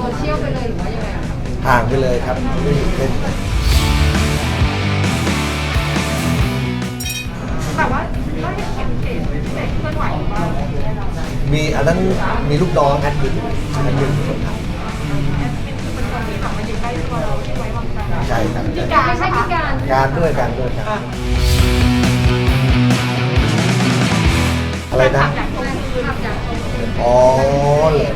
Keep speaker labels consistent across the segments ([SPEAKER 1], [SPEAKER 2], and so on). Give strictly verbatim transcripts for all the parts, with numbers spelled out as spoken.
[SPEAKER 1] ซเชียลไปเลยหรือว่ายังไงอะคะ
[SPEAKER 2] ห่างไปเลยครับไม่อยู่เล่น
[SPEAKER 1] แต่ว่าก็ยังเห็นเพจเด็กเคลื่อนไหวอยู่บ้าง
[SPEAKER 2] มีอันนั้นมีลูกน้องแอดมินแอดมินคนท
[SPEAKER 1] แอดมินคือเป็นคนที่แบบมาอยู่ใกล้ตัวเราที่ไว้วางใจ
[SPEAKER 2] ำใช่ครับ
[SPEAKER 1] พี่การไม่ใช่พี่การ
[SPEAKER 2] การด้วยการด้วยกันอะไรนะ
[SPEAKER 1] อยากทวงคืนอยากทวงคืน
[SPEAKER 2] อ๋อเลย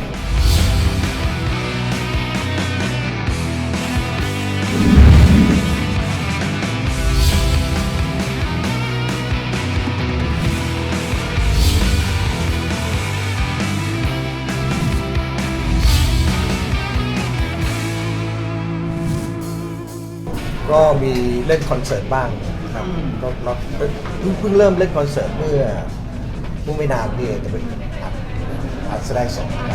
[SPEAKER 2] ก็มีเล่นคอนเสิร์ตบ้างนะครับก็เราเพิ่งเพิ่งเริ่มเล่นคอนเสิร์ตเมื่อเมื่อไม่นานนี่เองจะเป็นอัดอัดแสดงสดครับ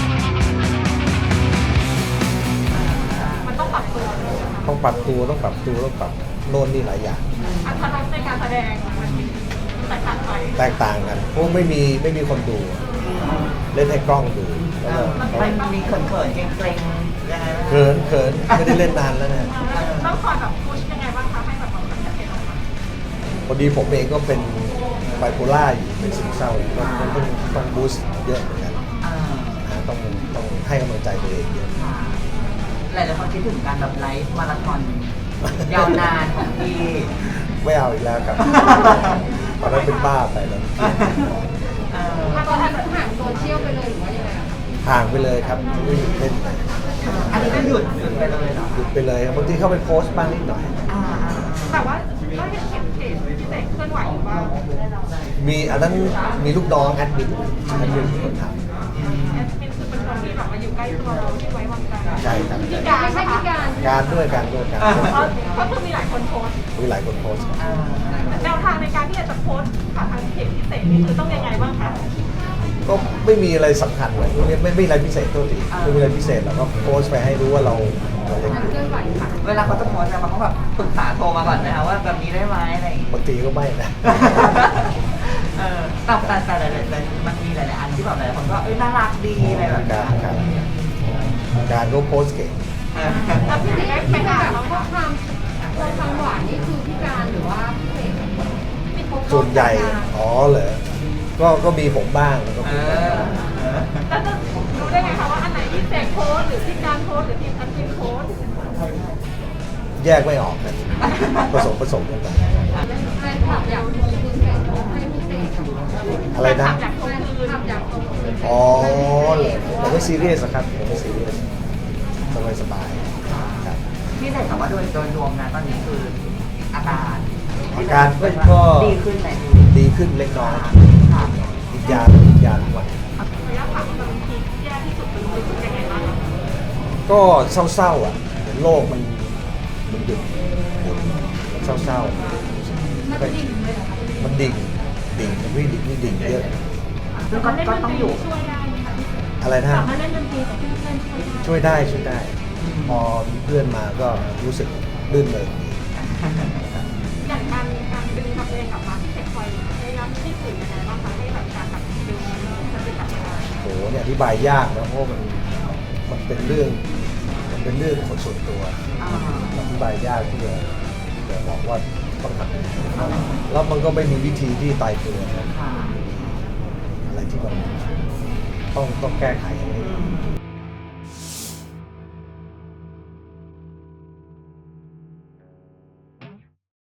[SPEAKER 1] มันต้องปรับตัวเลยนะคะ
[SPEAKER 2] ต้องปรับตัวต้องปรับตัวต้องปรับโน่นนี่หลายอย่าง
[SPEAKER 1] อัตลักษณ์ในการแสดงมันแตกต่างไป
[SPEAKER 2] แตกต่างกันเพราะไม่มีไม่มีคนดู เล่นให้กล้องดูแล้วก็
[SPEAKER 3] มันมีเขินๆเกรงๆยังไงบ้าง
[SPEAKER 2] เขินเขินไม่ได้เล่นนานแล้วนะ
[SPEAKER 1] ต้องคอยแบบพุชยังไงบ้างคะให้แบบมันชัดเจนออกมา
[SPEAKER 2] พอดีผมเองก็เป็นไบโพล่าอยู่เป็นซึมเศร้าอยู่ก็ต้องต้องต้องบูสต์เยอะเหมือนกัน
[SPEAKER 3] อ่า
[SPEAKER 2] นะต้องต้องให้กำลังใจตัวเองเยอะ
[SPEAKER 3] ค่ะหลายๆคนคิดถึงการแบบไลฟ์มาราธอนยาวนานของพี่
[SPEAKER 2] ไม่เอาอีกแล้วครับตอนนั้นเป็นบ้าไปแล้ว
[SPEAKER 3] เออ
[SPEAKER 1] ตอนนี้ห่างโซเชียลไปเลยหรือว่ายังไงอะคะ
[SPEAKER 2] ห่างไปเลยครับไม่หยุดเล่น
[SPEAKER 3] อันนี้ก็หยุดหยุดไปเลยเหรอ
[SPEAKER 2] หยุดไปเลยครับบางทีเข้าไปโพสต์บ้างนิดหน่อย
[SPEAKER 3] อ่า
[SPEAKER 1] แต่ว่าก็ยังเห็นเพจพี่เด็กเคลื่อนไหวอยู่บ้าง
[SPEAKER 2] มีอันนั้นมีลูกน้องแอดมินแอดมินคนทำ
[SPEAKER 1] แอดมินคือเป็นคนที่แบบมาอยู่ใกล้ตัวเราที่ไว้วางใจ
[SPEAKER 2] ใช่ครับ
[SPEAKER 1] พี่การไม่ใช่พี่การ
[SPEAKER 2] การด้วยการด้วยกัน
[SPEAKER 1] เพราะเพราะคือมีหลายคนโพสต์
[SPEAKER 2] มีหลายคนโพสต์ครับ
[SPEAKER 3] อ่า
[SPEAKER 1] แนวทางในการที่จะโพสต์ผ่านทางเพจพิเศษนี่คือต้องยังไงบ้างคะ
[SPEAKER 2] ก็ไม่มีอะไรสำคัญเลยไม่ไม่ไม่มีอะไรพิเศษตัวดีไม่มีอะไรพิเศษเราก็โพสต์ไปให้รู้ว่าเราเราเล่น
[SPEAKER 1] เคลื่อนไหวค่ะ
[SPEAKER 3] เวลาเขาจะโพสต์เนี่ยมันต้องแบบปรึกษาโทรมาก่อนนะคะว่าแบบนี้ได้ไหมอะไรอย่างงี้
[SPEAKER 2] บางทีก็ไม่นะ
[SPEAKER 3] เออแต่แต่แต่หลายๆมันมีหลายๆอันที่แบบหลายคนก็เอ้ยน่ารักดีอะไรแบบ
[SPEAKER 2] การ
[SPEAKER 3] นี้
[SPEAKER 2] การการก็โพสต์เก่ง
[SPEAKER 3] เออ
[SPEAKER 1] แล้วพี่เด็กไปแบบข้อความข้อความหวานนี่คือพี่การหรือว่าพี่เสก
[SPEAKER 2] ส่วนใหญ่อ๋อเหรอก็ก็มีผมบ้างแล้วก็
[SPEAKER 3] เอ
[SPEAKER 2] มี
[SPEAKER 3] อเออ
[SPEAKER 1] แล้วจะรู้ได้ไงคะว่าอันไหนพี่เสกโพสต์หรือพี่การโพสต์หรือพี่แอดมินโพสต์
[SPEAKER 2] แยกไม่ออกกันผสมผสมกันไป
[SPEAKER 1] แฟนคลับอยากทวงคืนเสกให้พี่เสก
[SPEAKER 2] อะไรนะ
[SPEAKER 1] อยากทวงคืนอยากทวงคืน
[SPEAKER 2] อ๋อเหรอผมไม่ซีเรียสอะครับผมไม่ซีเรียสสบายสบายๆครับ
[SPEAKER 3] พี่เสกถามว่าโดยโดยรวมนะตอนนี้คืออาการ
[SPEAKER 2] อาการก็
[SPEAKER 3] ดีขึ้นไหม
[SPEAKER 2] ดีขึ้นเล็กน้อย
[SPEAKER 3] ค่ะ
[SPEAKER 2] กินยากินยาทุกวัน
[SPEAKER 1] ระยะผ่านบางทีแย่ที่สุดเป็นรู้สึกยังไงบ้างคะ
[SPEAKER 2] ก็เศร้าๆอ่ะเห็นโลกมันมันหยุดหมุนมันเศร้าๆ
[SPEAKER 1] มันดิ่งเลยเหรอคะ
[SPEAKER 2] มันดิ่งดิ่งมันวิ่งดิ่งวิ่งดิ่งเยอะ
[SPEAKER 3] ซึ่งก็ก็ต้องอยู่
[SPEAKER 1] ช่วยได้ไหมคะ
[SPEAKER 2] อะไรนะ
[SPEAKER 1] สามารถเล่นดนตรีกับเพื่อนๆช่วยได้
[SPEAKER 2] ช่วยได้ช่วยได้ พอมีเพื่อนมาก็รู้สึกลื่นเลยดี
[SPEAKER 1] อย่างการการดึงทำเพลงกลับมาที่เสกคอยพยายามที่สื่อยังไงบ้างคะให้แบบการแบบดึงสติกลับมา
[SPEAKER 2] โหเนี่ยอธิบายยากนะเพราะมันมันเป็นเรื่องมันเป็นเรื่องของส่วนตัว
[SPEAKER 3] อ่า
[SPEAKER 2] อธิบายยากที่จะจะบอกว่าต้องทำยังไงแล้วมันก็ไม่มีวิธีที่ตายตัวนะ
[SPEAKER 3] ค่ะ
[SPEAKER 2] อะไรที่มันต้องต้องแก้ไข
[SPEAKER 3] อืม